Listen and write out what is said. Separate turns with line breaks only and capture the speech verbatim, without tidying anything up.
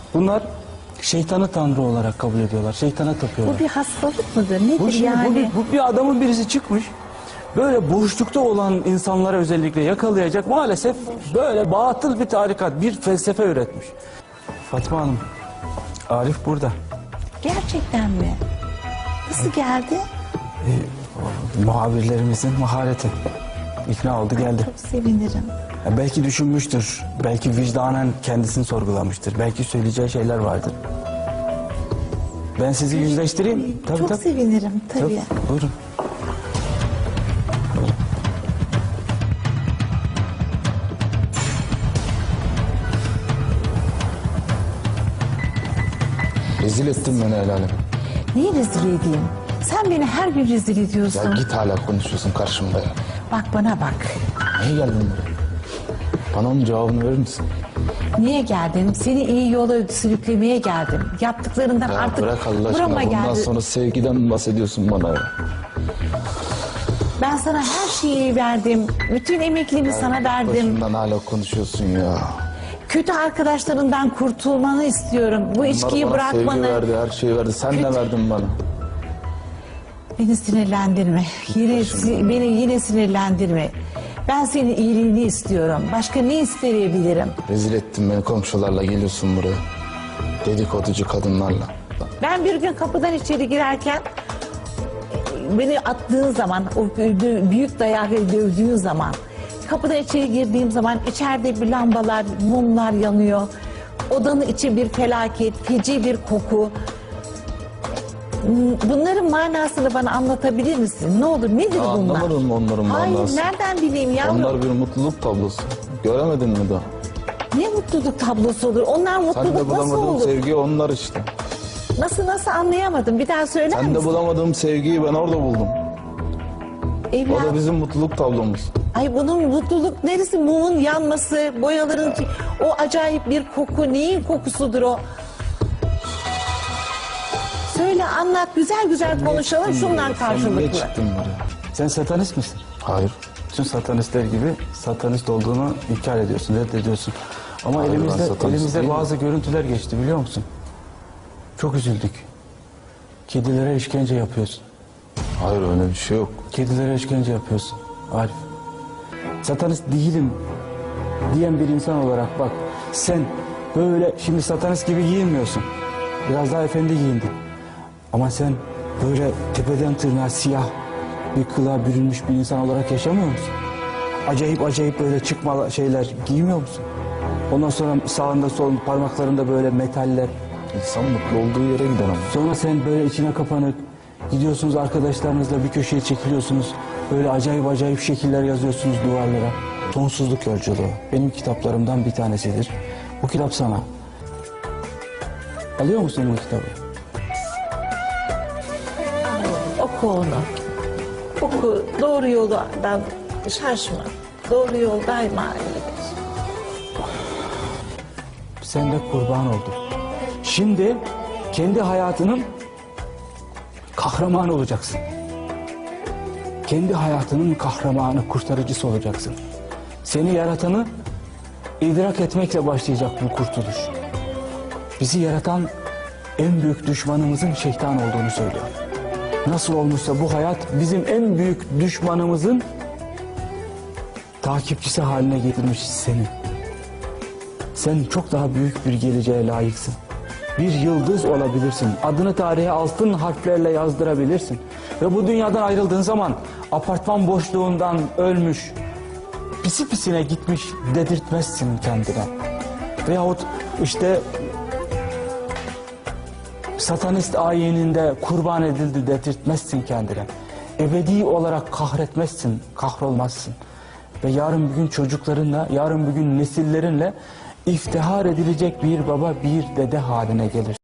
Bunlar şeytanı tanrı olarak kabul ediyorlar. Şeytana tapıyorlar.
Bu bir hastalık mıdır? Nedir
Bu, şimdi,
yani?
bu, bir, bu bir adamın birisi çıkmış. Böyle boşlukta olan insanlara özellikle yakalayacak maalesef böyle batıl bir tarikat, bir felsefe üretmiş. Fatma Hanım, Arif burada.
Gerçekten mi? Nasıl geldi?
Ee, muhabirlerimizin mahareti. İkna oldu geldi.
Çok sevinirim.
Ya belki düşünmüştür, belki vicdanen kendisini sorgulamıştır, belki söyleyeceği şeyler vardır. Ben sizi yüzleştireyim. Tabii,
Çok
tabii.
sevinirim tabii.
Tabii, buyurun.
Rezil ettin beni el alem.
Neyi rezil edeyim? Sen beni her gün rezil
Ya
ediyorsun.
git hala konuşuyorsun karşımda ya.
Bak bana bak.
Niye geldin buraya? Bana onun cevabını verir misin?
Niye geldin? Seni iyi yola sürüklemeye geldim. Yaptıklarından
Ya
artık
bırak Allah aşkına,
burama
bundan
geldi.
sonra sevgiden bahsediyorsun bana ya.
Ben sana her şeyi verdim. Bütün emekliliğimi sana verdim.
Başımdan hala konuşuyorsun ya.
Kötü arkadaşlarından kurtulmanı istiyorum. Bu içkiyi
Bunlar bana sevgi
bırakmanı.
verdi, her şeyi verdi. Sen
Kötü-
ne verdin bana?
Beni sinirlendirme. Yine, si- beni yine sinirlendirme. Ben senin iyiliğini istiyorum. Başka ne isteyebilirim?
Rezil ettin beni, komşularla geliyorsun buraya. Dedikoducu kadınlarla.
Ben bir gün kapıdan içeri girerken beni attığın zaman, o büyük dayağı dövdüğün zaman, kapıdan içeri girdiğim zaman içeride bir lambalar, mumlar yanıyor. Odanın içi bir felaket, feci bir koku. Bunların manasını bana anlatabilir misin? Ne olur, nedir
Ya
bunlar?
anlamadım mı onların
Hayır,
manası?
nereden bileyim yavrum?
Onlar bir mutluluk tablosu. Göremedin mi daha?
Ne mutluluk tablosu olur? Onlar
Sen de
mutluluk nasıl
bulamadığın
olur?
sevgi onlar işte.
Nasıl nasıl anlayamadım? Bir daha söyler
Sen de
misin?
bulamadığım sevgiyi ben orada buldum. O
Evlat.
da bizim mutluluk tablomuz.
Ay bunun mutluluk neresi? Mumun yanması, boyaların, o acayip bir koku. Neyin kokusudur o? Söyle, anlat, güzel güzel konuşalım şundan
Sen niye
karşılıklı.
çıktın buraya?
Sen satanist misin?
Hayır.
Bütün satanistler gibi satanist olduğunu inkar ediyorsun, reddediyorsun. Ama
Hayır, ben
elimizde
satanist
elimizde
değilim.
bazı görüntüler geçti biliyor musun? Çok üzüldük. Kedilere işkence yapıyorsun.
Hayır, öyle bir şey yok.
Kedilere işkence yapıyorsun Arif. Satanist değilim diyen bir insan olarak bak, sen böyle şimdi satanist gibi giyinmiyorsun. Biraz daha efendi giyindin. Ama sen böyle tepeden tırnağa siyah bir kılığa bürünmüş bir insan olarak yaşamıyor musun? Acayip acayip böyle çıkma şeyler giymiyor musun? Ondan sonra sağında solunda parmaklarında böyle metaller.
İnsan mutlu olduğu yere gider ama.
Sonra sen böyle içine kapanık gidiyorsunuz, arkadaşlarınızla bir köşeye çekiliyorsunuz. Böyle acayip acayip şekiller yazıyorsunuz duvarlara. Sonsuzluk Yolculuğu benim kitaplarımdan bir tanesidir. Bu kitap sana. Alıyor musun bu kitabı?
Oku onu. Oku, doğru yoldan şaşma. Doğru yol daima iyidir.
Sen de kurban oldun. Şimdi kendi hayatının kahramanı olacaksın. Kendi hayatının kahramanı, kurtarıcısı olacaksın. Seni yaratanı idrak etmekle başlayacak bu kurtuluş. Bizi yaratan en büyük düşmanımızın şeytan olduğunu söylüyor. Nasıl olmuşsa bu hayat bizim en büyük düşmanımızın takipçisi haline getirmiş seni. Sen çok daha büyük bir geleceğe layıksın. Bir yıldız olabilirsin. Adını tarihe altın harflerle yazdırabilirsin. Ve bu dünyadan ayrıldığın zaman apartman boşluğundan ölmüş, pisi pisine gitmiş dedirtmezsin kendine. Veyahut işte satanist ayininde kurban edildi dedirtmezsin kendine. Ebedi olarak kahretmezsin, kahrolmazsın. Ve yarın bir gün çocuklarınla, yarın bir gün nesillerinle iftihar edilecek bir baba, bir dede haline gelir.